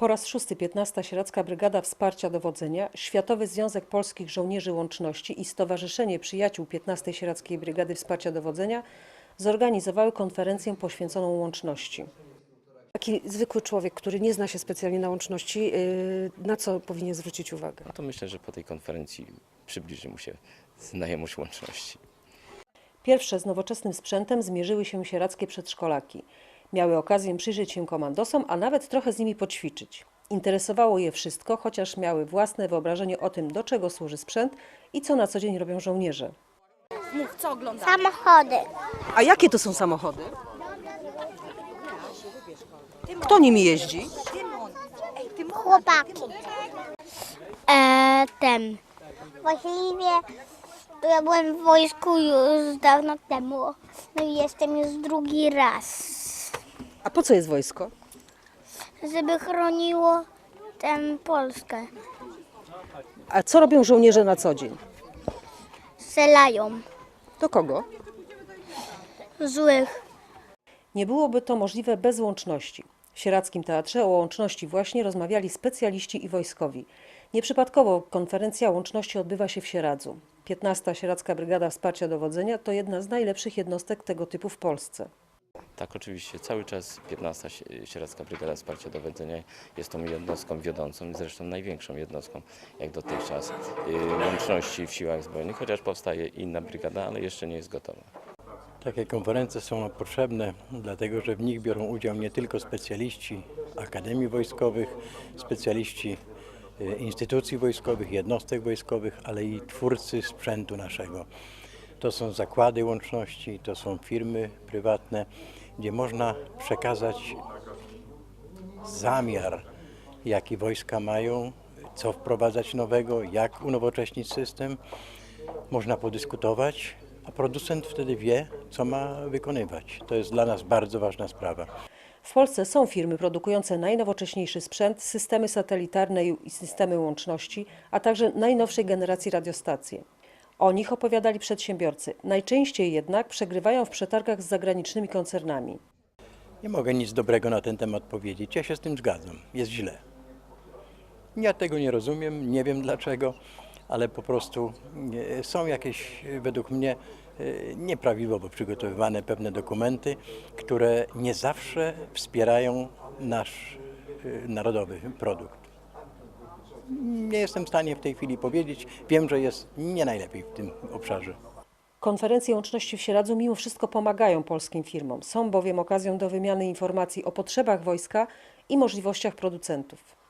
Po raz szósty 15. Sieradzka Brygada Wsparcia Dowodzenia, Światowy Związek Polskich Żołnierzy Łączności i Stowarzyszenie Przyjaciół 15. Sieradzkiej Brygady Wsparcia Dowodzenia zorganizowały konferencję poświęconą łączności. Taki zwykły człowiek, który nie zna się specjalnie na łączności, na co powinien zwrócić uwagę? No to myślę, że po tej konferencji przybliży mu się znajomość łączności. Pierwsze z nowoczesnym sprzętem zmierzyły się sieradzkie przedszkolaki. Miały okazję przyjrzeć się komandosom, a nawet trochę z nimi poćwiczyć. Interesowało je wszystko, chociaż miały własne wyobrażenie o tym, do czego służy sprzęt i co na co dzień robią żołnierze. Mów, co oglądasz? Samochody. A jakie to są samochody? Kto nimi jeździ? Chłopaki. Właściwie ja byłem w wojsku już dawno temu. No i jestem już drugi raz. A po co jest wojsko? Żeby chroniło Polskę. A co robią żołnierze na co dzień? Strzelają Do kogo? złych. Nie byłoby to możliwe bez łączności. W Sieradzkim Teatrze o łączności właśnie rozmawiali specjaliści i wojskowi. Nieprzypadkowo konferencja łączności odbywa się w Sieradzu. 15. Sieradzka Brygada Wsparcia Dowodzenia to jedna z najlepszych jednostek tego typu w Polsce. Tak, oczywiście cały czas 15. Sieradzka Brygada Wsparcia Dowodzenia jest tą jednostką wiodącą i zresztą największą jednostką jak dotychczas łączności w siłach zbrojnych, chociaż powstaje inna brygada, ale jeszcze nie jest gotowa. Takie konferencje są potrzebne, dlatego że w nich biorą udział nie tylko specjaliści akademii wojskowych, specjaliści instytucji wojskowych, jednostek wojskowych, ale i twórcy sprzętu naszego. To są zakłady łączności, to są firmy prywatne, gdzie można przekazać zamiar, jaki wojska mają, co wprowadzać nowego, jak unowocześnić system. Można podyskutować, a producent wtedy wie, co ma wykonywać. To jest dla nas bardzo ważna sprawa. W Polsce są firmy produkujące najnowocześniejszy sprzęt, systemy satelitarne i systemy łączności, a także najnowszej generacji radiostacje. O nich opowiadali przedsiębiorcy. Najczęściej jednak przegrywają w przetargach z zagranicznymi koncernami. Nie mogę nic dobrego na ten temat powiedzieć. Ja się z tym zgadzam. Jest źle. Ja tego nie rozumiem, nie wiem dlaczego, ale po prostu są jakieś, według mnie, nieprawidłowo przygotowywane pewne dokumenty, które nie zawsze wspierają nasz narodowy produkt. Nie jestem w stanie w tej chwili powiedzieć. Wiem, że jest nie najlepiej w tym obszarze. Konferencje łączności w Sieradzu mimo wszystko pomagają polskim firmom. Są bowiem okazją do wymiany informacji o potrzebach wojska i możliwościach producentów.